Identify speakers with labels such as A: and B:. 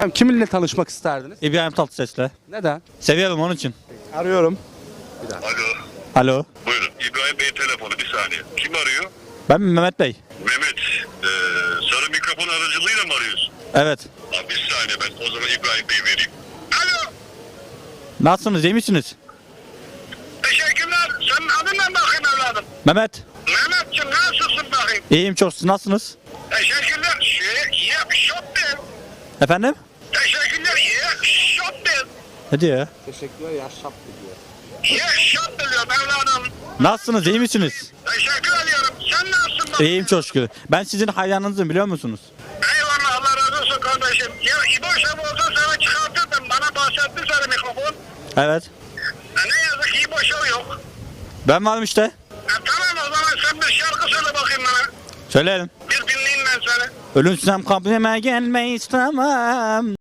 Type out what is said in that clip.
A: Kiminle tanışmak isterdiniz?
B: İbrahim Tatlıses'le.
A: Neden?
B: Seviyorum onun için.
A: Arıyorum.
C: Alo.
B: Alo.
C: Buyurun. İbrahim Bey telefonu bir saniye. Kim arıyor?
B: Ben Mehmet Bey.
C: Mehmet. Sarı mikrofon aracılığıyla mı arıyorsun?
B: Evet.
C: Abi bir saniye ben o zaman İbrahim Bey vereyim. Alo.
B: Nasılsınız? İyi misiniz?
C: Teşekkürler. Senin adın ne bakayım evladım?
B: Mehmet.
C: Mehmetciğim nasılsın bakayım?
B: İyiyim çok. Siz nasılsınız?
C: Teşekkürler. Shopping.
B: Efendim?
C: Teşekkürler. Shopping.
B: Ne diyor ya?
A: Teşekkürler ya şaptı diyor.
C: Shopping diyorum evladım.
B: Nasılsınız? İyi misiniz?
C: Teşekkür ediyorum. Sen nasılsın bakayım?
B: İyiyim çok şükür. Ben sizin hayranınızım biliyor musunuz?
C: Eyvallah Allah razı olsun kardeşim. Ya İbo Şef olsa sana çıkartırdım. Bana bahsetti sarı mikrofon.
B: Evet.
C: Ne yazık ki İbo Şef yok.
B: Ben varım işte.
C: Tamam o zaman sen bir şarkı söyle bakayım bana.
B: Söyleyelim.
C: Bir dinleyeyim ben seni.
B: Ölümsüzem kabrime gelmeyi istemem.